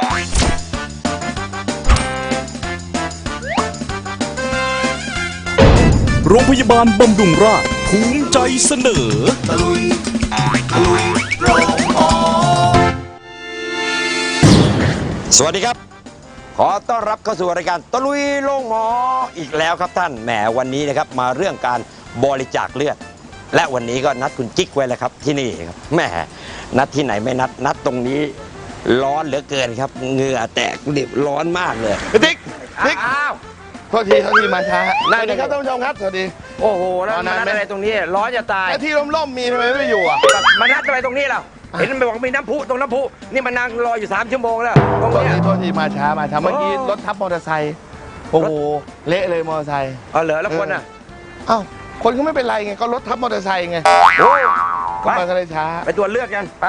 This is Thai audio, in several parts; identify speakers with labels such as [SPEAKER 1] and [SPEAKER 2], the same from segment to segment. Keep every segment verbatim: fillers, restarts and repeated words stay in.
[SPEAKER 1] โรงพยาบาลบำรุงราษฎร์ภูมิใจเสนอตะลุยตะลุยโรงหมอสวัสดีครับขอต้อนรับเข้าสู่รายการตะลุยโรงหมออีกแล้วครับท่านแหมวันนี้นะครับมาเรื่องการบริจาคเลือดและวันนี้ก็นัดคุณจิ๊กไว้แล้วครับที่นี่ครับแหมนัดที่ไหนไม่นัดนัดตรงนี้ร้อนเหลือเกินครับเหงื่อแตกดิบร้อนมากเลย
[SPEAKER 2] ติ๊กติ๊กอ้าวโทษทีโทษทีมาช้าสวัสดีครับท่านผู้ชมครับสวัสดี
[SPEAKER 3] โอ้โหแล้วมานัดอะไรตรงนี้ร้อนจะตาย
[SPEAKER 2] แต่ที่ร่มๆมีทำไมไม่อยู่อ่ะ
[SPEAKER 3] มานัดอะไรตรงนี้เราเห็นมันบอกมีน้ำพุตรงน้ำพุนี่มันนั่งรออยู่สามชั่วโมงแล้วตรงนี้
[SPEAKER 2] โทษทีมาช้ามาช้าเมื่อกี้รถทับมอเตอร์ไซค์โอ้โหเละเลยมอเตอร์ไซค์
[SPEAKER 3] เออเหรอแล้วคนอ่ะ
[SPEAKER 2] อ้าวคนก็ไม่เป็นไรไงก็รถทับมอเตอร์ไซค์ไง
[SPEAKER 3] โอ้
[SPEAKER 2] ก็มาก็เลยช้า
[SPEAKER 3] ไปตรวจเลือดกันไป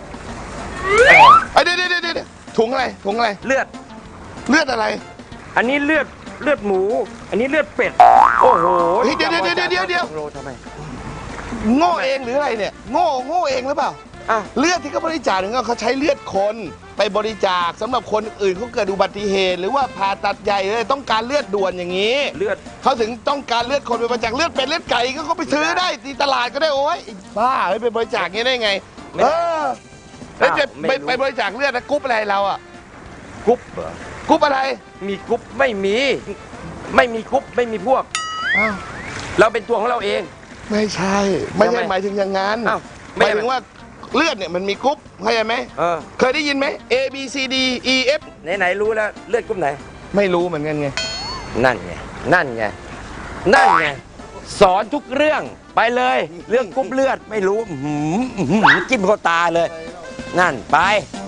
[SPEAKER 2] เดี๋ยวเดี๋ยวเดี๋ยวถุงอะไรถุงอะไร
[SPEAKER 3] เลือด
[SPEAKER 2] เลือดอะไร
[SPEAKER 3] อันนี้เลือดเลือดหมูอันนี้เลือดเป็ดโอ้โห
[SPEAKER 2] เดี๋ยวเดี๋ยวเดี๋ยวเดี๋ยวเดี๋ยว
[SPEAKER 3] ทำไม
[SPEAKER 2] โง่เองหรืออะไรเนี่ยโง่โง่เองหรือเปล่าเลือดที่เขาบริจาคเนี่ยเขาใช้เลือดคนไปบริจาคสำหรับคนอื่นเขาเกิดอุบัติเหตุหรือว่าผ่าตัดใหญ่เลยต้องการเลือดด่วนอย่างนี้
[SPEAKER 3] เลือด
[SPEAKER 2] เขาถึงต้องการเลือดคนไปบริจาคเลือดเป็ดเลือดไก่ก็เขาไปซื้อได้ที่ตลาดก็ได้โอ้ยบ้าเฮ้ยไปบริจาคงี้ได้ไงเออแล้วจะไปไปบริจาคเลือดนะกรุ๊ปอะไรเราอะ
[SPEAKER 3] กรุ๊ปเหร
[SPEAKER 2] อกรุ๊ปอะไร
[SPEAKER 3] มีกรุ๊ปไม่มีไม่มีกรุ๊ปไม่มีพวกเราเป็นตัวของเราเอง
[SPEAKER 2] ไม่ใช่ไม่ใช่หมายถึงอย่างนั้นหมายถึงว่าเลือดเนี่ยมันมีกรุ๊ปเข้าใจไหมเคยได้ยินไหม A B C D E F
[SPEAKER 3] ไหนไหนรู้แล้วเลือดกรุ๊ปไหน
[SPEAKER 2] ไม่รู้เหมือนกันไง
[SPEAKER 3] นั่นไงนั่นไงนั่นไงสอนทุกเรื่องไปเลยเรื่องกรุ๊ปเลือดไม่รู้จิ้มเข้าตาเลยนั่นไป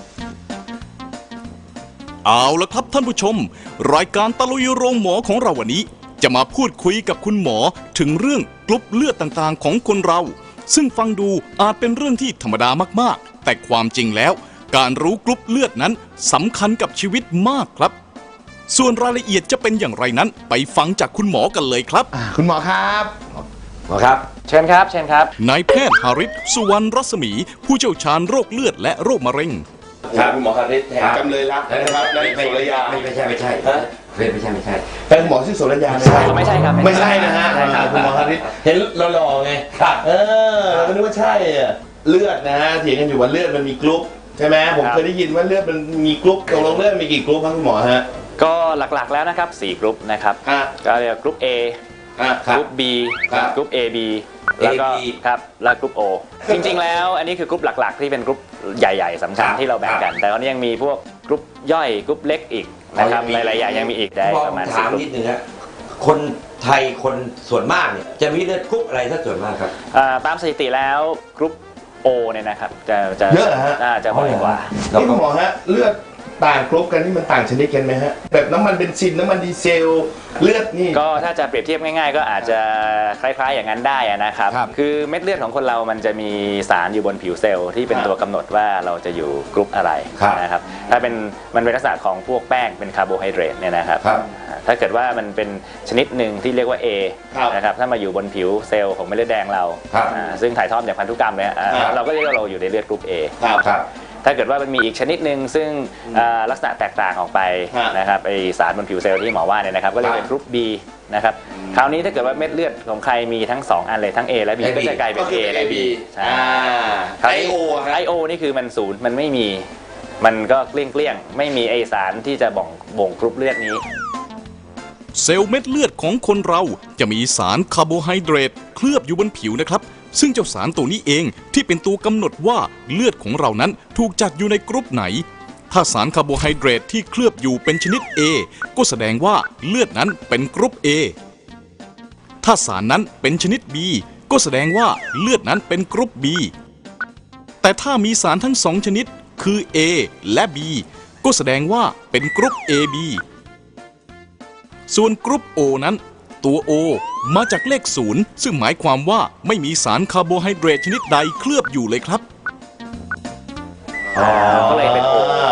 [SPEAKER 1] เอาละครับท่านผู้ชมรายการตะลุยโรงหมอของเราวันนี้จะมาพูดคุยกับคุณหมอถึงเรื่องกรุ๊ปเลือดต่างๆของคนเราซึ่งฟังดูอาจเป็นเรื่องที่ธรรมดามากๆแต่ความจริงแล้วการรู้กรุ๊ปเลือดนั้นสำคัญกับชีวิตมากครับส่วนรายละเอียดจะเป็นอย่างไรนั้นไปฟังจากคุณหมอกันเลยครับ
[SPEAKER 2] คุณหมอครับ
[SPEAKER 3] หมอครับเชิญครับเชิญครับ
[SPEAKER 1] นายแพทย์หาริศสุวรรณรัศมีผู้เชี่ยวชาญโรคเลือดและโรคมะเร็ง
[SPEAKER 2] ครับคุณหมอฮาริศจำเลยรักนะครับนายโสรยา
[SPEAKER 3] ไม่ใช่ไม่ใช่ไม่ใช่ไม่ใช่
[SPEAKER 2] เป็นหมอชื่อโสรยา
[SPEAKER 3] ไม่ใช่ครับ
[SPEAKER 2] ไม่ใช่นะฮะคุณหมอฮาริศเห็นหล่อๆไงครับเออเราก็นึกว่าใช่อะเลือดนะฮะเถียงกันอยู่ว่าเลือดมันมีกรุ๊ปใช่ไหมผมเคยได้ยินว่าเลือดมันมีกรุ๊ปตกลงเลือดมีกี่กรุ๊ปครับคุณหมอฮะ
[SPEAKER 4] ก็หลักๆแล้วนะครับสี่กรุ๊ปนะครับก็เรียกกรุ๊ป A กรุ๊ป B กรุ๊ป เอ บี แล้วก็ครับแล้วกรุ๊ป O จริงๆแล้วอันนี้คือกรุ๊ปหลักๆที่เป็นกรุ๊ปใหญ่ๆสำคัญที่เราแบ่งกันแต่ตอนนี้ยังมีพวกกรุ๊ปย่อยกรุ๊ปเล็กอีกนะครับหลายๆอย่างยังมีอีกได้ประมาณสิบกรุ๊ป
[SPEAKER 3] นิดนึงครับคนไทยคนส่วนมากเนี่ยจะมีเลือดกรุ๊ปอะไรถ้าส่วนมากครับ
[SPEAKER 4] ตามสถิติแล้วกรุ๊ป O เนี่ยนะครับจะจะ
[SPEAKER 2] เยอะฮะ
[SPEAKER 4] จะบ่อยกว่า
[SPEAKER 2] นี่คุณหมอฮะเลือดต่างกรุ๊ปกันนี่มันต่างชนิดกันไหมฮะแบบน้ำมันเบนซินน้ำมันดีเซลเลือดนี่
[SPEAKER 4] ก็ถ้าจะเปรียบเทียบง่ายๆก็อาจจะคล้ายๆอย่างนั้นได้นะครับคือเม็ดเลือดของคนเรามันจะมีสารอยู่บนผิวเซลล์ที่เป็นตัวกำหนดว่าเราจะอยู่กรุ๊ปอะไรนะครับถ้าเป็นมันเป็นลักษณะของพวกแป้งเป็นคาร์โบไฮเดรตเนี่ยนะครับถ้าเกิดว่ามันเป็นชนิดหนึ่งที่เรียกว่า A นะครับถ้ามาอยู่บนผิวเซลล์ของเม็ดเลือดแดงเราซึ่งถ่ายทอดจากพันธุกรรมเนี่ยเราก็เรียกว่าเราอยู่ในเลือดกรุ๊ป Aถ้าเกิดว่ามันมีอีกชนิดหนึ่งซึ่งลักษณะแตกต่างออกไปนะครับไอสารบนผิวเซลล์ที่หมอว่าเนี่ยนะครับก็เรียกเป็นกรุ๊ป B นะครับคราวนี้ถ้าเกิดว่าเม็ดเลือดของใครมีทั้งสองอันเลยทั้ง A และ B ก็จะกลายเป็น A และ B ใช่ไอโอไอโอนี่คือมันศูนย์มันไม่มีมันก็เกลี้ยงเกลี้ยงไม่มีไอสารที่จะบ่งบ่งกรุ๊ปเลือดนี้
[SPEAKER 1] เซลล์เม็ดเลือดของคนเราจะมีสารคาร์โบไฮเดรตเคลือบอยู่บนผิวนะครับซึ่งเจ้าสารตัวนี้เองที่เป็นตัวกำหนดว่าเลือดของเรานั้นถูกจัดอยู่ในกรุ๊ปไหนถ้าสารคาร์โบไฮเดรตที่เคลือบอยู่เป็นชนิด A ก็แสดงว่าเลือดนั้นเป็นกรุ๊ป A ถ้าสารนั้นเป็นชนิด B ก็แสดงว่าเลือดนั้นเป็นกรุ๊ป B แต่ถ้ามีสารทั้งสองชนิดคือ A และ B ก็แสดงว่าเป็นกรุ๊ป เอ บี ส่วนกรุ๊ป O นั้นตัว O มาจากเลขศูนย์ซึ่งหมายความว่าไม่มีสารคาร์โบไฮเดรตชนิดใดเคลือบอยู่เลยครับ
[SPEAKER 4] ก็เลยเป็น O
[SPEAKER 2] ครับ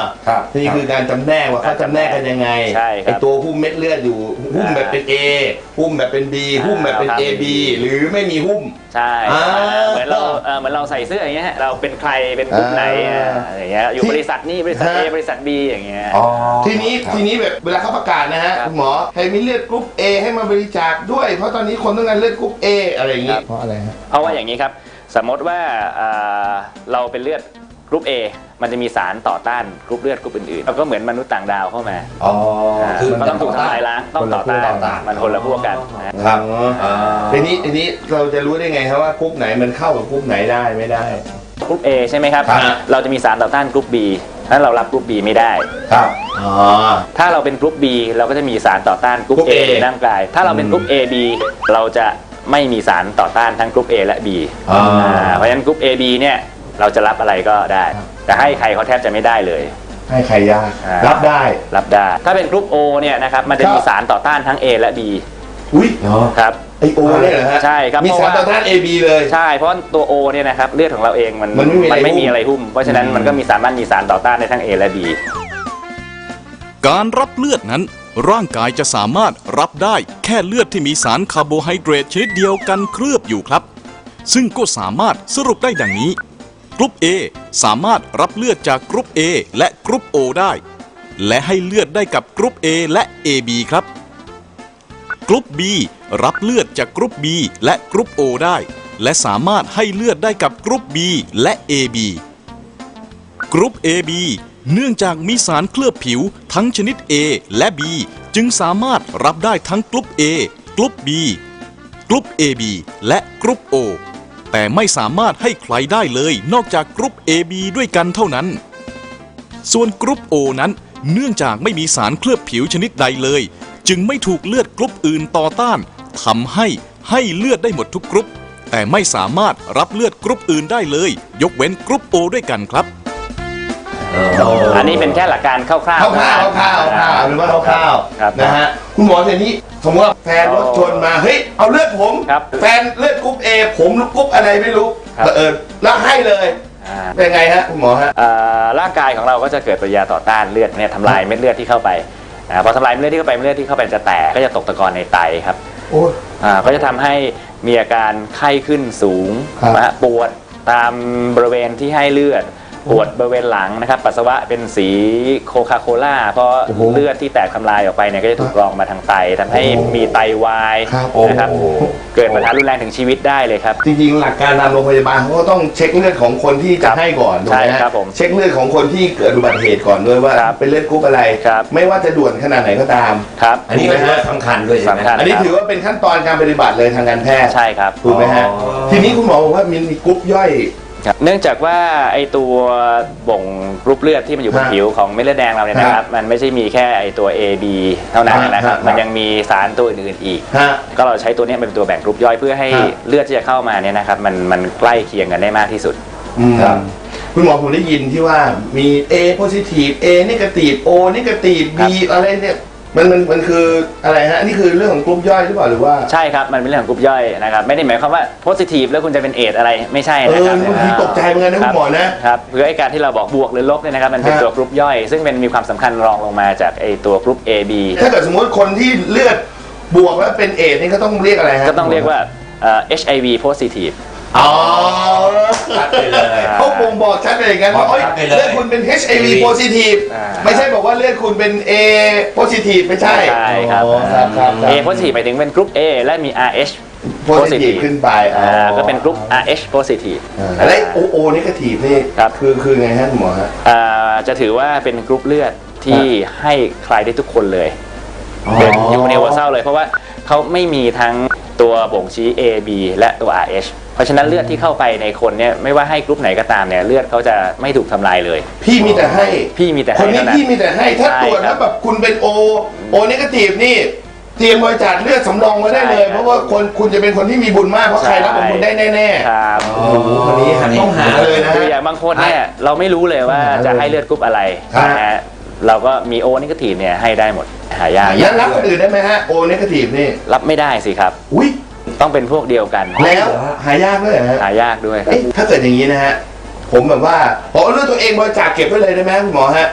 [SPEAKER 2] นี่คือการจำแนกว่าเขาจำแนกกันยังไง
[SPEAKER 4] ใช่ครับ
[SPEAKER 2] ไอตัวหุ้มเม็ดเลือดอยู่หุ้มแบบเป็น A หุ้มแบบเป็น B หุ้มแบบเป็น A B หรือไม่มีหุ้ม
[SPEAKER 4] ใช่
[SPEAKER 2] อ่า
[SPEAKER 4] เหมือนเราเอ่อเหมือนเราใส่เสื้ออย่างเงี้ยฮะเราเป็นใครเป็นกลุ่มไหน
[SPEAKER 2] อ่า
[SPEAKER 4] อ่าอย่างเงี้ยอยู่บริษัทนี้บริษัท A บริษัท B อย่างเงี้ย
[SPEAKER 2] ทีนี้
[SPEAKER 3] ครับ
[SPEAKER 2] ทีนี้แบบเวลาเขาประกาศนะฮะ
[SPEAKER 4] ครับ
[SPEAKER 2] คุณหมอให้มีเลือดกรุ๊ป A ให้มาบริจาคด้วย เพราะตอนนี้คนต้องการเลือดกรุ๊ป A อะไรอย่างงี้
[SPEAKER 4] ครับ
[SPEAKER 2] เพราะอะไรฮะ
[SPEAKER 4] เพราะว่าอย่างนี้ครับสมมติว่าอ่าเราเป็นเลือดกรุ๊ป A มันจะมีสารต่อต้านกรุ๊ปเลือดกรุ๊ปอื่นๆแล้วก็เหมือนมนุษย์ต่างดาวเข้ามา
[SPEAKER 3] อ๋อ
[SPEAKER 4] อ่า
[SPEAKER 3] คือ
[SPEAKER 4] มันต้องถูกทำลายล้างต้องต่อต้านมันคนละพวกกันนะ
[SPEAKER 3] ครับ
[SPEAKER 2] อ๋อทีนี้ทีนี้เราจะรู้ได้ไงครับว่ากรุ๊ปไหนมันเข้ากับกรุ๊ปไหนได้ไม่ได้
[SPEAKER 4] กรุ๊ป A ใช่ไหมครับ
[SPEAKER 2] ครับ
[SPEAKER 4] เราจะมีสารต่อต้านกรุ๊ป B นั้นเรารับกรุ๊ป B ไม่ได้
[SPEAKER 3] ครับ
[SPEAKER 2] อ๋อ
[SPEAKER 4] ถ้าเราเป็นกรุ๊ป B เราก็จะมีสารต่อต้านกรุ๊ป
[SPEAKER 2] กรุ๊ป
[SPEAKER 4] A
[SPEAKER 2] A
[SPEAKER 4] ในร่างกาย ถ้าเราเป็นกรุ๊ป A B เราจะไม่มีสารต่อต้านทั้งกรุ๊ป A และ B
[SPEAKER 2] อ๋ออ่
[SPEAKER 4] าเพราะฉะนั้นกรุ๊ป A B เนี่ยเราจะรับอะไรก็ได้ แต่ให้ใครเขาแทบจะไม่ได้เลย
[SPEAKER 2] ให้ใครยาก
[SPEAKER 4] อ่า
[SPEAKER 2] รับได้
[SPEAKER 4] รับได้ ถ้าเป็นกรุ๊ป O เนี่ยนะครับมันจะมี
[SPEAKER 2] ครับ
[SPEAKER 4] สารต่อต้านทั้ง A และ B
[SPEAKER 2] อุ้ย
[SPEAKER 4] ครับ
[SPEAKER 2] ไอโอเนี่ยเหรอฮะ
[SPEAKER 4] ใช่ครับ
[SPEAKER 2] มี
[SPEAKER 4] เพราะ
[SPEAKER 2] สาร
[SPEAKER 4] ว่า
[SPEAKER 2] ต่อต้าน A B เลย
[SPEAKER 4] ใช่เพราะตัว O เนี่ยนะครับเลือดของเราเองมัน
[SPEAKER 2] มันไม่มีอะไรหุ้ม
[SPEAKER 4] ไม่มีอะไรหุ้ม เพราะฉะนั้นมันก็มีสามารถมีสารต่อต้านได้ทั้ง A และ B
[SPEAKER 1] การรับเลือดนั้น ร่างกายจะสามารถรับได้แค่เลือดที่มีสารคาร์โบไฮเดรตชนิดเดียวกันเคลือบอยู่ครับ ซึ่งก็สามารถสรุปได้ดังนี้ กรุ๊ป A สามารถรับเลือดจากกรุ๊ป A และกรุ๊ป O ได้ และให้เลือดได้กับกรุ๊ป A และ เอ บี ครับ กรุ๊ป B รับเลือดจากกรุ๊ป B และกรุ๊ป O ได้ และสามารถให้เลือดได้กับกรุ๊ป B และ เอ บี กรุ๊ป เอ บี เนื่องจากมีสารเคลือบผิวทั้งชนิด A และ B จึงสามารถรับได้ทั้งกรุ๊ป A กรุ๊ป B กรุ๊ป เอ บี และกรุ๊ป O แต่ไม่สามารถให้ใครได้เลยนอกจากกรุ๊ป เอ บี ด้วยกันเท่านั้น ส่วนกรุ๊ป O นั้นเนื่องจากไม่มีสารเคลือบผิวชนิดใดเลย จึงไม่ถูกเลือดกรุ๊ปอื่นต่อต้านทำให้ให้เลือดได้หมดทุกกรุ๊ปแต่ไม่สามารถรับเลือดกรุ๊ปอื่นได้เลย ยกเว้นกรุ๊ป O ด้วยกันครับ
[SPEAKER 4] อันนี้เป็นแค่หลักการคร่าว
[SPEAKER 2] คร่าวๆคร่าวๆคร่าวๆคร่าวๆหรือว่าคร่าว
[SPEAKER 4] ครับ
[SPEAKER 2] ๆนะฮะคุณหมอทีนี้สมมติว่าแฟนรถชนมาเฮ้ยเอาเลือดผม
[SPEAKER 4] ครับ
[SPEAKER 2] แฟนเลือดกรุ๊ป A ผมกรุ๊ปอะไรไม่รู้
[SPEAKER 4] ครับ
[SPEAKER 2] เออแล้วให้เลย
[SPEAKER 4] อ่า
[SPEAKER 2] เป็นไงฮะคุณหมอฮะ
[SPEAKER 4] เอ่อร่างกายของเราก็จะเกิดปฏิกิริยาต่อต้านเลือดเนี่ยทำลายเม็ดเลือดที่เข้าไปอ่าพอทำลายเม็ดเลือดที่เข้าไปเม็ดเลือดที่เข้าไปจะแตกก็จะตกตะกอนในไตครับ
[SPEAKER 2] โอ้ย
[SPEAKER 4] อ่าก็จะทำให้มีอาการไข้ขึ้นสูง
[SPEAKER 2] ครับ
[SPEAKER 4] นะฮะปวดตามบริเวณที่ให้เลือดปวดบริเวณหลังนะครับปัสสาวะเป็นสีโคคาโคล่าเพราะ
[SPEAKER 2] โอ้โห
[SPEAKER 4] เลือดที่แตกทำลายออกไปเนี่ยก็จะถูกกรองมาทางไตทำให้
[SPEAKER 2] โอ้โห
[SPEAKER 4] มีไตวาย
[SPEAKER 2] ครับ
[SPEAKER 4] นะครับ
[SPEAKER 2] โอ้โห
[SPEAKER 4] เกิดปัญหารุนแรงถึงชีวิตได้เลยครับ
[SPEAKER 2] จริงๆ หลักการตามโรงพยาบาลเขาก็ต้องเช็คเลือดของคนที่
[SPEAKER 4] ค
[SPEAKER 2] จะ
[SPEAKER 4] รับ
[SPEAKER 2] ให้ก่อนถูกไหม
[SPEAKER 4] ใช่
[SPEAKER 2] ฮะ
[SPEAKER 4] ครับผม
[SPEAKER 2] เช็คเลือดของคนที่เกิดอุบัติเหตุก่อนด้วยว่า
[SPEAKER 4] ครับ
[SPEAKER 2] เป็นเลือดกรุ๊ปอะไร
[SPEAKER 4] ครับ
[SPEAKER 2] ไม่ว่าจะด่วนขนาดไหนก็ตาม
[SPEAKER 4] ครับ
[SPEAKER 3] อันนี้ก็ถือว่าสำคัญด้วยใช่ไหม
[SPEAKER 4] สำคัญ
[SPEAKER 2] อันนี้ถือว่าเป็นขั้นตอนการปฏิบัติเลยทางการแพทย์
[SPEAKER 4] ใช่ครับ
[SPEAKER 2] ถูกไหมฮะ
[SPEAKER 3] อ๋อ
[SPEAKER 2] ทีนี้คุณหมอบอกว่ามีกรุ๊ปย่อย
[SPEAKER 4] ครับเนื่องจากว่าไอตัวบ่งกรุ๊ปเลือดที่มันอยู่บน
[SPEAKER 2] ฮะ
[SPEAKER 4] ผิวของเม็ดเลือดแดงเราเนี่ยนะครับ มันไม่ใช่มีแค่ไอตัว A B เท่านั้น
[SPEAKER 2] ฮะ
[SPEAKER 4] นะครับ
[SPEAKER 2] ฮะ
[SPEAKER 4] มันยังมีสารตัวอื่นๆอีก
[SPEAKER 2] ฮะ
[SPEAKER 4] ก็เราใช้ตัวเนี้ยเป็นตัวแบ่งกรุ๊ปย่อยเพื่อให้
[SPEAKER 2] ฮะ
[SPEAKER 4] เลือดที่จะเข้ามาเนี่ยนะครับมันมันใกล้เคียงกันได้มากที่สุด
[SPEAKER 2] อืม
[SPEAKER 3] ครับ
[SPEAKER 2] คุณหมอผมได้ยินที่ว่ามี A positive A negative O negative B อะไรเนี่ยมันมันมันคืออะไรฮะนี่คือเรื่องของกรุ๊ปย่อยหรือเปล่าหรือว่า
[SPEAKER 4] ใช่ครับมันเป็นเรื่องของกรุ๊ปย่อยนะครับไม่ได้หมายความว่าโพสิทีฟแล้วคุณจะเป็นเอดส์อะไรไม่ใช่
[SPEAKER 2] เอ
[SPEAKER 4] นะ
[SPEAKER 2] อ
[SPEAKER 4] ครับ
[SPEAKER 2] บางทีตกใจเหมือนกันนะคุณหมอนะ
[SPEAKER 4] ครับเพื่อไอการที่เราบอกบวกหรือลบเนี่ยนะครับมันเป็น
[SPEAKER 2] ฮะ
[SPEAKER 4] ตัวกรุ๊ปย่อย ซึ่งเป็นมีความสำคัญรองลงมาจากไอตัวกรุ๊ป A B
[SPEAKER 2] ถ้าเกิดสมมติคนที่เลือดบวกแล้วเป็นเอดส์นี่ก็ต้องเรียกอะไรฮะ
[SPEAKER 4] ก็ต้องเรียกว่าเอ่อ เอช ไอ วี positive
[SPEAKER 2] อ๋อ
[SPEAKER 3] ชัดไปเลย
[SPEAKER 2] เขาบ่งบอกชัดไปอย่างนั้นว่า
[SPEAKER 3] บอก
[SPEAKER 2] เอ้ย
[SPEAKER 3] ชัดไปเลย
[SPEAKER 2] เลือดคุณเป็น เอช ไอ วี positive
[SPEAKER 4] อ่า
[SPEAKER 2] ไม่ใช่บอกว่าเลือดคุณเป็น A positive ไม่ใช่
[SPEAKER 4] ใช่ครับ
[SPEAKER 2] อ๋อครับครับครับ
[SPEAKER 4] A positive หมายถึงเป็นกรุ๊ป A และมี อาร์ เอช
[SPEAKER 2] positive ขึ้นไปอ๋อ
[SPEAKER 4] อ่าก็เป็นกรุ๊ป อาร์ เอช positive
[SPEAKER 2] อ่าแล้ว O O negative นี่
[SPEAKER 4] ครับ
[SPEAKER 2] คือคือไงฮะคุณหมอฮะ
[SPEAKER 4] อ่าจะถือว่าเป็นกรุ๊ปเลือดที่ให้ใครได้ทุกคนเลย เป็น universal เลยเพราะว่าเขาไม่มีทั้งตัวบ่งชี้ A B และตัว อาร์ เอช เพราะฉะนั้นเลือดที่เข้าไปในคนเนี่ยไม่ว่าให้กรุ๊ปไหนก็ตามเนี่ยเลือดเขาจะไม่ถูกทำลายเลย
[SPEAKER 2] พี่มีแต่ให้
[SPEAKER 4] พี่มีแต่
[SPEAKER 2] ค
[SPEAKER 4] ให้
[SPEAKER 2] นนี้
[SPEAKER 4] เท่านั้น
[SPEAKER 2] พี่มีแต่ให้ถ้า
[SPEAKER 4] ใช่
[SPEAKER 2] ตรวจ
[SPEAKER 4] ครั
[SPEAKER 2] แล้
[SPEAKER 4] บ
[SPEAKER 2] วแบบคุณเป็น O O negative นี่เตรียมบริจาคเลือดสำรองไว้ได้เลย
[SPEAKER 4] ใช่ครับ
[SPEAKER 2] เพราะว่าคนคุณจะเป็นคนที่มีบุญมากเพราะใครรับของคุณได้แน่
[SPEAKER 4] ครับ
[SPEAKER 2] ๆโอ้โหคนนี้หันต้องหาเลยนะ
[SPEAKER 4] คือ
[SPEAKER 2] ฮะ
[SPEAKER 4] อย่างบางคนเนี่ยเราไม่รู้เลยว่าจะให้เลือดกรุ๊ปอะไร
[SPEAKER 2] ครับ
[SPEAKER 4] นะฮะเราก็มีโอนิเกทีฟเนี่ยให้ได้หมดหายาก
[SPEAKER 2] แล้วรับคนอื่นได้ไหมฮะ O negative นี่
[SPEAKER 4] รับไม่ได้สิครับ
[SPEAKER 2] อุ้ย
[SPEAKER 4] ต้องเป็นพวกเดียวกัน
[SPEAKER 2] แล้วหายากด้วยเหรอฮะ
[SPEAKER 4] หายากด้วยครับ
[SPEAKER 2] เอ๊ะถ้าเกิดอย่างนี้นะฮะผมแบบว่าผมเอาเลือดตัวเองบริจาคเก็บไว้เลยได้ไหมคุณหมอฮะ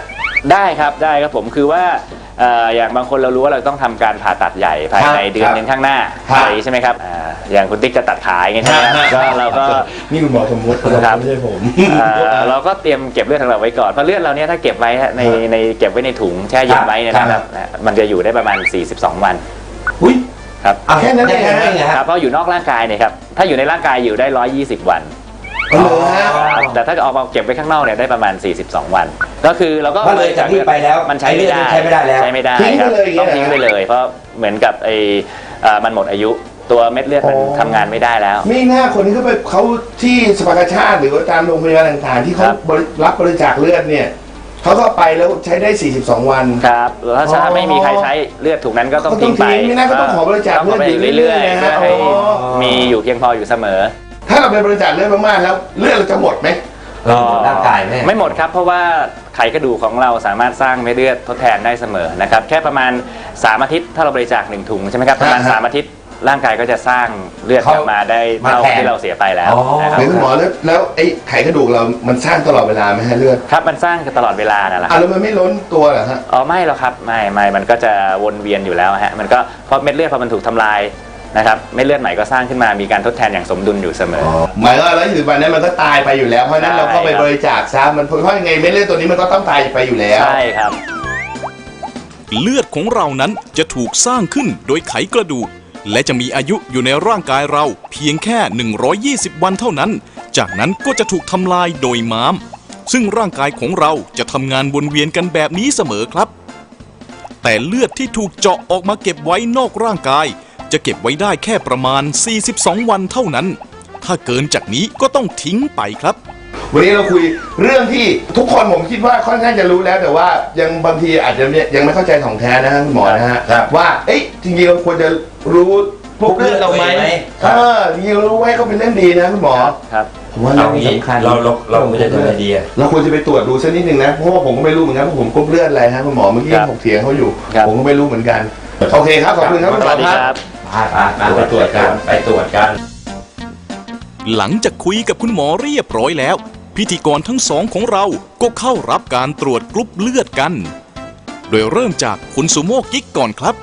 [SPEAKER 4] ได้ครับได้ครับผมคือว่าเอ่ออย่างบางคนเรารู้ว่าเราต้องทำการผ่าตัดใหญ่ภายในเดือนหนึงข้างหน้าอะไรใช่ไหมครับอ่าอย่างคุณติ๊กจะตัดขาอย่างเงี้ยใช่ไหมครับก็เราก็
[SPEAKER 2] นี่คุณหมอสมมติ
[SPEAKER 4] ครับ
[SPEAKER 2] ไม่ใช่ผม
[SPEAKER 4] เอ่อเราก็เตรียมเก็บเลือดของเราไว้ก่อนเพราะเลือดเราเนี้ยถ้าเก็บไว้ในในเก็บไว้ในถุงแช่เย็นไว้เนี่ยนะครับมันจะอยู่ได้ประมาณสี่สิบสองวัน
[SPEAKER 2] อุ้ย
[SPEAKER 4] ครับ
[SPEAKER 2] แค่นั้นเองนะ
[SPEAKER 4] ครับเพราะอยู่นอกร่างกายเนี่ยครับถ้าอยู่ในร่างกายอยู่ได้หนึ่งร้อยยี่สิบวัน
[SPEAKER 2] อ๋อเหรอฮะ
[SPEAKER 4] ครับแต่ถ้าเอามาเก็บไว้ข้างนอกเนี่ยได้ประมาณสี่สิบสองวัน ก็คือเราก็
[SPEAKER 3] ก็เลยจากนี้ไปแล้ว
[SPEAKER 4] มันใช้ไม่ได้
[SPEAKER 3] ใช้ไม่ได้แล้ว
[SPEAKER 4] ใช้ไม่ได้
[SPEAKER 2] ทิ้ง
[SPEAKER 4] ค
[SPEAKER 2] ไป
[SPEAKER 4] รับ
[SPEAKER 2] เลยอย่างเงี้
[SPEAKER 4] ต้อย งทิ้งไปเลย เพราะเหมือนกับไอ้เอ่อมันหมดอายุตัวเม็ดเลือดมัน
[SPEAKER 2] อ๋อ
[SPEAKER 4] ทำงานไม่ได้แล้ว
[SPEAKER 2] มีหน้าคนที่เขาไปเขาที่สภากาชาติหรือว่าตามโรงพยาบาลต่างๆ ที่เขา
[SPEAKER 4] ครับ
[SPEAKER 2] บริรับบริจาคเลือดเนี่ยเขาก็ไปแล้วใช้ได้ สี่สิบสอง วัน
[SPEAKER 4] ครับแล้วถ้า
[SPEAKER 2] อ๋อ
[SPEAKER 4] ไม่มีใครใช้เลือดถุงนั้นก็ต้อง
[SPEAKER 2] ก็ต้อ
[SPEAKER 4] ทิ้
[SPEAKER 2] ง
[SPEAKER 4] งไป
[SPEAKER 2] ทิ้งไม่น่าก็ต้องขอบริจาค
[SPEAKER 4] ต้องขอ
[SPEAKER 2] เลือดอยู่
[SPEAKER 4] เรื่อย
[SPEAKER 2] เรื่อยๆ
[SPEAKER 4] ๆ
[SPEAKER 2] นะ
[SPEAKER 4] เพื่อให้
[SPEAKER 2] อ๋อ
[SPEAKER 4] มีอยู่เพียงพออยู่เสมอ
[SPEAKER 2] ถ้าเราไปบริจาคเลือดมากๆแล้วเลือดเราจะหมดไหม
[SPEAKER 3] เออร่างกายแม่
[SPEAKER 4] ไม่หมดครับเพราะว่าไขกระดูกของเราสามารถสร้างเม็ดเลือดทดแทนได้เสมอนะครับแค่ประมาณสามอาทิตย์ถ้าเราบริจาคหนึ่งถุงใช่ไหมครับประมาณ
[SPEAKER 2] ฮะ
[SPEAKER 4] สามอาทิตย์ร่างกายก็จะสร้างเลือดกลับมาได้เท่า
[SPEAKER 3] มาแทน
[SPEAKER 4] ที่เราเสียไปแล้ว
[SPEAKER 3] อ๋อ
[SPEAKER 4] นะครับ
[SPEAKER 2] เดี๋ยวคุณหมอแล้วแล้วไอ้ไขกระดูกเรามันสร้างตลอดเวลาไหมฮะเลือด
[SPEAKER 4] ครับมันสร้างกันตลอดเวลานั่นแหละค
[SPEAKER 2] อ่ะ
[SPEAKER 4] รับ
[SPEAKER 2] แล้วมันไม่ล้นตัวเหรอฮะ
[SPEAKER 4] อ๋อไม่หรอกครับไม่ไม่มันก็จะวนเวียนอยู่แล้วฮะมันก็เพราะเม็ดเลือดพอมันถูกทำลายนะครับเม็ดเลือดใหม่ก็สร้างขึ้นมามีการทดแทนอย่างสมดุลอยู่เสมอ
[SPEAKER 2] หมายว่าแล้วอยู่วันนั้นมันก็ตายไปอยู่แล้วเพราะฉะนั้น
[SPEAKER 4] ใช่
[SPEAKER 2] เราก็ไปบริจาคซะมันเพราะยังไงเม็ดเลือดตัวนี้มันก็ต้องตายไปอยู่แล้ว
[SPEAKER 4] ใช่ครับ
[SPEAKER 1] เลือดของเรานั้นจะถูกสร้างขึ้นโดยไขกระดูก และจะมีอายุอยู่ในร่างกายเราเพียงแค่ หนึ่งร้อยยี่สิบ วันเท่านั้น จากนั้นก็จะถูกทำลายโดยม้าม ซึ่งร่างกายของเราจะทำงานวนเวียนกันแบบนี้เสมอครับ แต่เลือดที่ถูกเจาะออกมาเก็บไว้นอกร่างกาย จะเก็บไว้ได้แค่ประมาณ สี่สิบสอง วันเท่านั้น ถ้าเกินจากนี้ก็ต้องทิ้งไปครับ
[SPEAKER 2] วันนี้เราคุยเรื่องที่ทุกคนผมคิดว่าค่อนข้างจะรู้แล้วแต่ว่ายังบางทีอาจจะยังไม่เข้าใจของแท้นะฮะคุณหมอนะฮะ
[SPEAKER 3] ครับ
[SPEAKER 2] ว่าเอ๊ะจริงๆเราควรจะรู้พวกเลือดเราไหม
[SPEAKER 3] ครับ
[SPEAKER 2] เออจริงๆเรารู้ไว้ก็เป็นเรื่องดีนะคุณหมอ
[SPEAKER 4] ครับ
[SPEAKER 2] ผมว่า
[SPEAKER 3] เอา
[SPEAKER 2] เรื่องนี้
[SPEAKER 3] งี้
[SPEAKER 2] สำคัญ
[SPEAKER 3] เราเราเราไม่ได้ทำอะไรดีอะ
[SPEAKER 2] เราควรจะไปตรวจดูสักนิดหนึ่งนะเพราะว่าผมก็ไม่รู้เหมือนกันว่าผมกรุ๊ปเลือดอะไรฮะคุณหมอเมื่อกี้
[SPEAKER 4] ครับ
[SPEAKER 2] ถกเถียงเขาอยู่
[SPEAKER 4] ครับ
[SPEAKER 2] ผมก็ไม่รู้เหมือนกันโอเคครับขอบคุณครับคุณ
[SPEAKER 4] ส
[SPEAKER 2] หม
[SPEAKER 4] วั
[SPEAKER 2] อ
[SPEAKER 4] สดี
[SPEAKER 2] ค
[SPEAKER 4] ค
[SPEAKER 2] รั
[SPEAKER 4] รั
[SPEAKER 2] บบ
[SPEAKER 3] ไปไปไปตรวจกันไปตรวจกัน
[SPEAKER 1] หลังจากคุยกับคุณหมอเรียบร้อยแล้ว พิธีกรทั้งสองของเราก็เข้ารับการตรวจกรุ๊ปเลือดกัน โดยเริ่มจากคุณสุโมกิ๊กก่อนครับ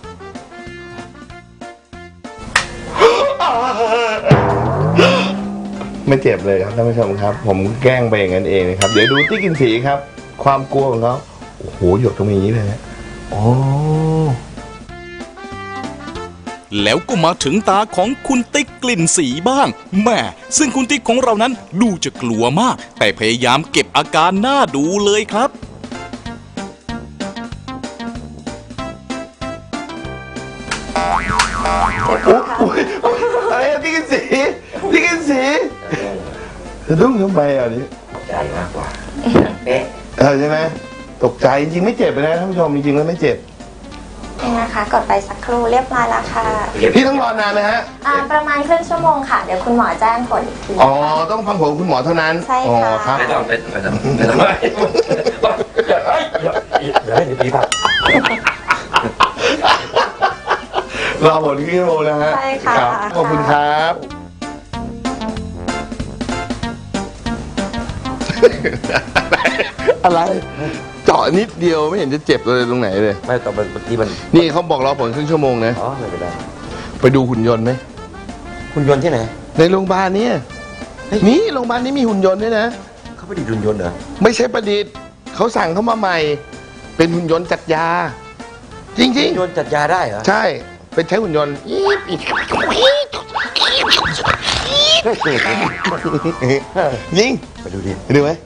[SPEAKER 2] ไม่เจ็บเลยครับท่านผู้ชมครับ ผมแกล้งไปอย่างนั้นเองนะครับ เดี๋ยวดูติ๊กกินสีครับ ความกลัวของเขาโอ้โหหยดตรงนี้เลยนะโอ้
[SPEAKER 1] แล้วก็มาถึงตาของคุณติ๊กกลิ่นสีบ้างแหม่ซึ่งคุณติ๊กของเรานั้นดูจะกลัวมาก แต่พยายามเก็บอาการหน้าดูเลยครับ
[SPEAKER 2] อะไรอะติ๊กกินสีติ๊กกินสีสะดุ้งทำไมอ่ะนี่
[SPEAKER 3] ใจมากกว่าเป๊ะ
[SPEAKER 2] เออใช่ไหมตกใจจริงๆไม่เจ็บเลยนะท่านผู้ชมจริงๆแล้วไม่เจ็บ
[SPEAKER 5] นี่นะคะกดไปสักครู่เรียบร้อยแล้วค่ะ
[SPEAKER 2] พี่ต้องรอนานไหมฮะ
[SPEAKER 5] อ่าประมาณครึ่งชั่วโมงค่ะ เดี๋ยวคุณหมอแจ้งผลอีกที
[SPEAKER 2] อ๋อต้องฟังผมคุณหมอเท่านั้น
[SPEAKER 5] ใช่
[SPEAKER 2] อ๋อ
[SPEAKER 5] ค่ะ
[SPEAKER 2] ครับ
[SPEAKER 3] ไม่ต้องไม่ต้องไม่ต้องไม่ต้องเดี๋ยวเดี๋ยวให้ดีป่ะ
[SPEAKER 2] รอผลครึ่งชั่วโมงนะฮะ
[SPEAKER 5] ใช่ค่ะ
[SPEAKER 2] รับขอบคุณครับ อะไร เจาะนิดเดียวไม่เห็นจะเจ็บเลยตรงไหนเลย
[SPEAKER 3] ไม่ต้องบางทีมัน
[SPEAKER 2] นี่เขาบอกรอผลครึ่งชั่วโมงนะ
[SPEAKER 3] อ๋อไม่เป็นไร
[SPEAKER 2] ไปดูหุ่นยนต์ไหม
[SPEAKER 3] คุณยนต์ที่ไหน
[SPEAKER 2] ในโรงพยาบาลเนี่ยนี่โรงพยาบาลนี้มีหุ่นยนต์ด้วยนะ
[SPEAKER 3] เขาไม่ได้ดุนยนต์เหรอ
[SPEAKER 2] ไม่ใช่ประดิษฐ์เขาสั่งเข้ามาใหม่ เป็นหุ่นยนต์จัดยา จริง
[SPEAKER 3] ยนต์จัดยาได้เหรอ
[SPEAKER 2] ๆ ใช่ เป็นใช้หุ่นยนต์อี๊บอี๊บยิง
[SPEAKER 3] ไปดูดิ
[SPEAKER 2] ไปดูไหม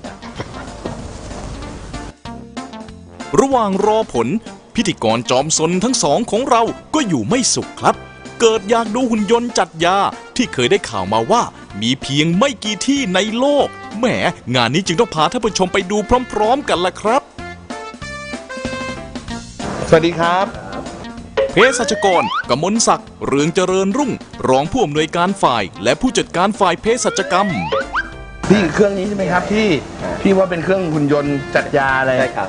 [SPEAKER 1] ระหว่างรอผล พิธีกรจอมซนทั้งสองของเราก็อยู่ไม่สุขครับ เกิดอยากดูหุ่นยนต์จัดยาที่เคยได้ข่าวมาว่า มีเพียงไม่กี่ที่ในโลกแหมงานนี้จึงต้องพาท่านผู้ชมไปดูพร้อมๆกันล่ะครับ
[SPEAKER 2] สวัสดีครับ
[SPEAKER 1] เภสัชกรกมลศักดิ์เรืองเจริญรุ่ง รองผู้อำนวยการฝ่าย และผู้จัดการฝ่ายเภสัชกรรม
[SPEAKER 2] พี่เครื่องนี้ใช่ไหมครับที่ที่ว่าเป็นเครื่องหุ่นยนต์จัดยาอะไร
[SPEAKER 3] ใช่ครับ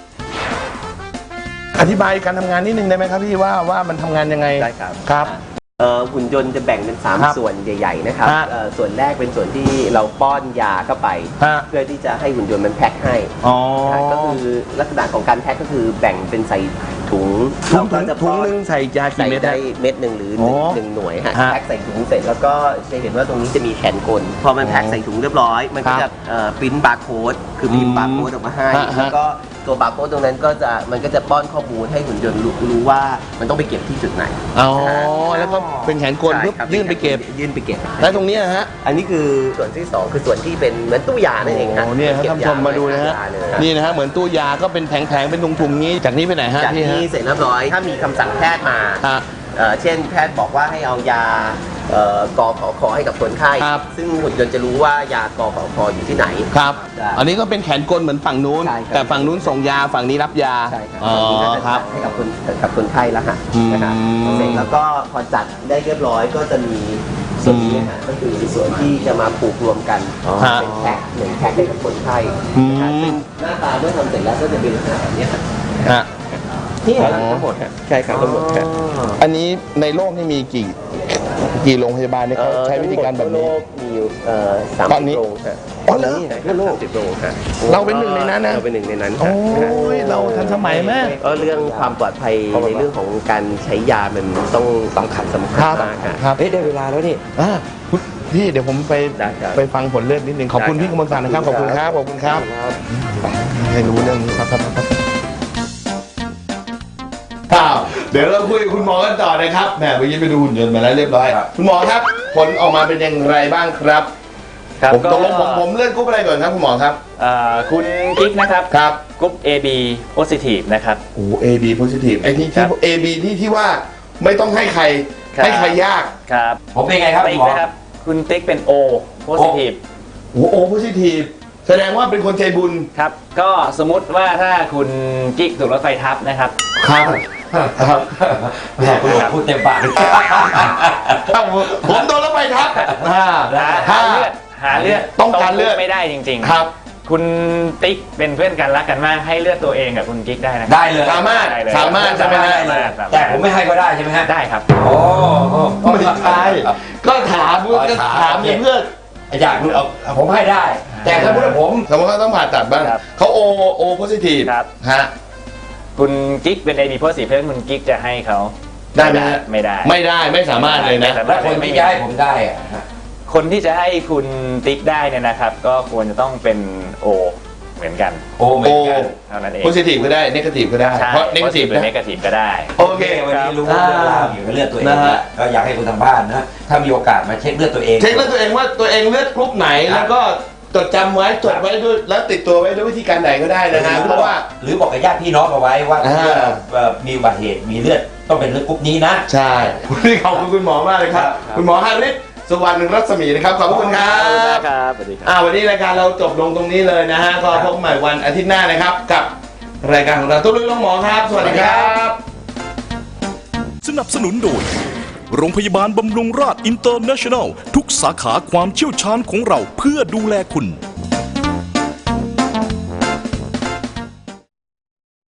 [SPEAKER 2] อธิบายการทำงานนิดนึงได้ไหมครับพี่ว่าว่ามันทำงานยังไง
[SPEAKER 3] ได้ครับ
[SPEAKER 2] ครับ
[SPEAKER 6] เอ่อหุ่นยนต์จะแบ่งเป็นสาม
[SPEAKER 2] ครับ
[SPEAKER 6] ส่วนใหญ่ๆนะครับ
[SPEAKER 2] ฮะ
[SPEAKER 6] เอ่อส่วนแรกเป็นส่วนที่เราป้อนยาเข้าไป
[SPEAKER 2] ฮะ
[SPEAKER 6] เพื่อที่จะให้หุ่นยนต์มันแพ็คให้
[SPEAKER 2] อ๋อ
[SPEAKER 6] นะก็คือลักษณะของการแพ็คก็คือแบ่งเป็นใส่ถุง
[SPEAKER 2] ถุง
[SPEAKER 6] เราก็จะ
[SPEAKER 2] ถุง
[SPEAKER 6] ป้อ
[SPEAKER 2] หนึ่งใส่ยากี่
[SPEAKER 6] ใส่
[SPEAKER 2] เม็ด
[SPEAKER 6] ได้
[SPEAKER 2] ฮะ
[SPEAKER 6] เม็ดหนึ่งหรือหนึ่ง
[SPEAKER 2] อ๋อ
[SPEAKER 6] หนึ่งหน่วยฮะ
[SPEAKER 2] ฮะ
[SPEAKER 6] แพ็คใส่ถุงเสร็จแล้วก็จะเห็นว่าตรงนี้จะมีแขนกลพอมันแพ็คใส่ถุงเรียบร้อย มันก็
[SPEAKER 2] ครั
[SPEAKER 6] จะ
[SPEAKER 2] บ
[SPEAKER 6] ปริ้นบาร์โค้ดคือพิมพ์บาร์โค้ดออกมาให้
[SPEAKER 2] ฮะฮะ
[SPEAKER 6] แล้วก็ตัวบาร์โค้ดตรงนั้นก็จะมันก็จะป้อนข้อมูลให้หุ่นยนต์รู้รู้ว่ามันต้องไปเก็บที่จุดไหน
[SPEAKER 2] อ๋อแล้วก็เป็นแขนกล
[SPEAKER 6] ใช่
[SPEAKER 2] ปุ๊บ
[SPEAKER 6] ครับ
[SPEAKER 2] ยื่นไปเก็บ
[SPEAKER 6] ยื่นไปเก็บ
[SPEAKER 2] แล้วตรงนี้นะฮะ
[SPEAKER 6] อันนี้คือส่วนที่สองคือส่วนที่เป็นเหมือนตู้ยานั่นเองฮะ
[SPEAKER 2] โอ้เนี่ยครับ
[SPEAKER 6] เก็บ
[SPEAKER 2] ท่านผู้ชมมาดูนะฮะ
[SPEAKER 6] ยเลยครับ
[SPEAKER 2] นี่นะฮะเหมือนตู้ยาก็เป็นแผงๆเป็นถุงๆนี้จากนี้ไปไหนฮะ
[SPEAKER 6] จาก
[SPEAKER 2] พี่ฮะ
[SPEAKER 6] นี้เสร็จเรียบร้อย ถ้ามีคำสั่งแพทย์มา
[SPEAKER 2] ฮะ
[SPEAKER 6] เอ่อเช่นแพทย์บอกว่าให้เอายาเอ่อกอขอคอให้กับคนไข้
[SPEAKER 2] ครับ
[SPEAKER 6] ซึ่งหุ่นยนต์จะรู้ว่ายากอขอคออยู่ที่ไหน
[SPEAKER 2] ครับ
[SPEAKER 6] ได้
[SPEAKER 2] อันนี้ก็เป็นแขนกลเหมือนฝั่งนู้น
[SPEAKER 6] ใช่ครับ
[SPEAKER 2] แต่ฝั่งนู้นส่งยาฝั่งนี้รับยา
[SPEAKER 6] ใช่ครับ
[SPEAKER 2] อ๋อ
[SPEAKER 6] ตรงนี้ก็จะ
[SPEAKER 2] ครับ
[SPEAKER 6] ให้กับคนกับคนไข้แล้วฮะ
[SPEAKER 2] อืม
[SPEAKER 6] นะครับเสร็จแล้วก็พอจัดได้เรียบร้อยก็จะมีส่วนนี้ฮะก็คือส่วนที่จะมาผูกรวมกัน
[SPEAKER 2] ฮะ
[SPEAKER 6] เป็นแพ็คหนึ่งแพ็คให้กับคนไข้
[SPEAKER 2] อืม
[SPEAKER 6] นะฮะซึ่งหน้าตาเมื่อทำเสร็จแล้วก็จะเป็นลักษณะแบบนี้ครับ
[SPEAKER 2] ฮะ
[SPEAKER 6] นี่
[SPEAKER 2] อ๋อ
[SPEAKER 6] ทั้งหมดฮะใช่ครับทั้งหมดฮะ
[SPEAKER 2] อันนี้ในโลกนี่มีกี่กี่โรงพยาบาลเนี่ยเขาใช้วิธีการแบบนี้
[SPEAKER 6] ทั่วโลกมีอยู่เอ่อสาม
[SPEAKER 2] ตอน
[SPEAKER 6] สิ
[SPEAKER 2] นี้
[SPEAKER 6] บโรงฮะ
[SPEAKER 2] อ๋อเหรอ
[SPEAKER 6] ทั่วโลกสิบโรงฮะ
[SPEAKER 2] เราเป็นหนึ่งในนั้นนะ
[SPEAKER 6] เราเป็นหนึ่งในนั้น
[SPEAKER 2] โอ้
[SPEAKER 6] ฮะ
[SPEAKER 2] ยเราทันสมัยแม่
[SPEAKER 6] เออเรื่องความปลอดภัยในเรื่องของการใช้ยามันต้องสำคัญสำคัญ
[SPEAKER 2] ครับ
[SPEAKER 6] มากฮะ
[SPEAKER 2] ครับ
[SPEAKER 6] เฮ้ยได้เวลาแล้วนี่
[SPEAKER 2] อ่าคุณพี่เดี๋ยวผมไป
[SPEAKER 6] ได้ครับ
[SPEAKER 2] ไปฟังผลเลือดนิดนึงขอบคุณ
[SPEAKER 6] ได้ครับ
[SPEAKER 2] พี่กมลศักดิ์นะครับขอบคุณครับขอบคุณครับให้รู้เรื่องนี้ครับครับครับครับเดี๋ยวเราคุยกับคุณหมอกันต่อนะครับแหมเมื่อกี้ไปดูหุ่นยนต์มาแล้วเรียบร้อยคุณหมอครับผลออกมาเป็นอย่างไรบ้างครับ
[SPEAKER 4] ครับ
[SPEAKER 2] ผม
[SPEAKER 4] ก็
[SPEAKER 2] ตกลงผมผมเลือดกรุ๊ปอะไรก่อนครับคุณหมอครับ
[SPEAKER 4] เอ่อคุณกิ๊กนะครับ
[SPEAKER 2] ครับ
[SPEAKER 4] กรุ๊ป เอ บี positive นะครับ
[SPEAKER 2] โอ้ A B positive ไอ้ที่
[SPEAKER 4] ครั
[SPEAKER 2] ที่
[SPEAKER 4] บ
[SPEAKER 2] A B ที่ที่ว่าไม่ต้องให้ใคร
[SPEAKER 4] ครับ
[SPEAKER 2] ให้ใครยาก
[SPEAKER 4] ครับ
[SPEAKER 3] ผมเป็นไงครับ
[SPEAKER 4] ติ๊ก
[SPEAKER 3] หมอ
[SPEAKER 4] นะครับ คุณติ๊กเป็น O positive
[SPEAKER 2] โอ้ O positive แสดงว่าเป็นคนใจบุญ
[SPEAKER 4] ครับ ก็สมมุติว่าถ้าคุณกิ๊กถูกรถไฟทับนะครับ
[SPEAKER 2] ครับครับ
[SPEAKER 3] แหมคุณหมอพูดเต็มปาก
[SPEAKER 2] ผมโดนแล้วไปทับอ่า
[SPEAKER 4] หา
[SPEAKER 2] ถ้า
[SPEAKER 4] หาเลือดหาเลือด
[SPEAKER 2] ต้องการเลือด
[SPEAKER 4] ไม่ได้จริงๆ
[SPEAKER 2] ครับ
[SPEAKER 4] คุณติ๊กเป็นเพื่อนกันรักกันมากให้เลือดตัวเองกับคุณกิ๊กได้นะ
[SPEAKER 3] ได้เลย
[SPEAKER 2] สามารถ
[SPEAKER 4] ได้เลย
[SPEAKER 2] สามารถใช่ไหมฮะ
[SPEAKER 4] สามารถสามารถ
[SPEAKER 3] แต่ผมไม่ให้ก็ได้ใช่ไหมฮะ
[SPEAKER 4] ได้ครับ
[SPEAKER 3] โอ้โห
[SPEAKER 2] ไม่ใช่ก็ถามก็ถามเพื่อน
[SPEAKER 3] อยากรู้เอาผมให้ได้ แต่สมมติว่าผม
[SPEAKER 2] สมมติว่าต้องผ่าตัดบ้าง
[SPEAKER 4] ครับ
[SPEAKER 2] เขา O O positive
[SPEAKER 4] ครับ
[SPEAKER 2] ฮะ
[SPEAKER 4] คุณกิ๊กเป็น เอ บี positive เพื่อนคุณกิ๊กจะให้เขา
[SPEAKER 2] ได้ไหมฮะ
[SPEAKER 4] ไม่ได้
[SPEAKER 2] ไม่ได้ไม่สามารถเลยนะ
[SPEAKER 4] ไม่สา
[SPEAKER 3] แล้
[SPEAKER 4] มาว รถ
[SPEAKER 3] คนที่จะให้ผมได้อะ
[SPEAKER 4] คนที่จะให้คุณติ๊กได้เนี่ยนะครับ ก็ควรจะต้องเป็น O เหมือนกัน
[SPEAKER 3] โอ้เหมือนกัน
[SPEAKER 4] เท่านั้นเอง
[SPEAKER 2] positive ก็ได้ negative ก็ได้
[SPEAKER 4] ใช่
[SPEAKER 2] เพราะ negative
[SPEAKER 4] positive หรือ
[SPEAKER 2] นะ
[SPEAKER 4] negative ก็ได้
[SPEAKER 2] โอเค
[SPEAKER 3] วันนี้รู้
[SPEAKER 2] ครับ
[SPEAKER 3] เรื่องราวเกี่ยวกับเลือดตัวเอง
[SPEAKER 2] นะฮะ
[SPEAKER 3] แล้วก็อยากให้คนทางบ้านนะถ้ามีโอกาสมาเช็คเลือดตัวเอง
[SPEAKER 2] เช็คเลือดตัวเองว่าตัวเองเลือดกรุ๊ปไหน แล้วก็จดจำไว้จดไว้ด้วยแล้วติดตัวไว้ด้วยวิธีการไหนก็ได้นะฮะเพราะว่า
[SPEAKER 3] หรือบอกกับญาติพี่น้องเอาไว้ว่า
[SPEAKER 2] อ่า
[SPEAKER 3] เอ่อมีอุบัติเหตุมีเลือดต้องเป็นเลือดกรุ๊ปนี้นะ
[SPEAKER 2] ใช่วันนี้ขอบคุณคุณหมอมากเลยครับ
[SPEAKER 3] ครับ
[SPEAKER 2] คุณหมอฮาริสสุวรรณรัศมีนะครับ ขอบคุณครับ
[SPEAKER 4] ครับสวัสดีครับ
[SPEAKER 2] อ่าวันนี้รายการเราจบลงตรงนี้เลยนะฮะ ก็พบกันใหม่วันอาทิตย์หน้านะครับ กับรายการของเราตุ้ลุยน้องหมอครับ สวัสดีครับ
[SPEAKER 1] สนับสนุนโดย โรงพยาบาลบำรุงราษอินเตอร์เนชั่นแนล ทุกสาขาความเชี่ยวชาญของเราเพื่อดูแลคุณ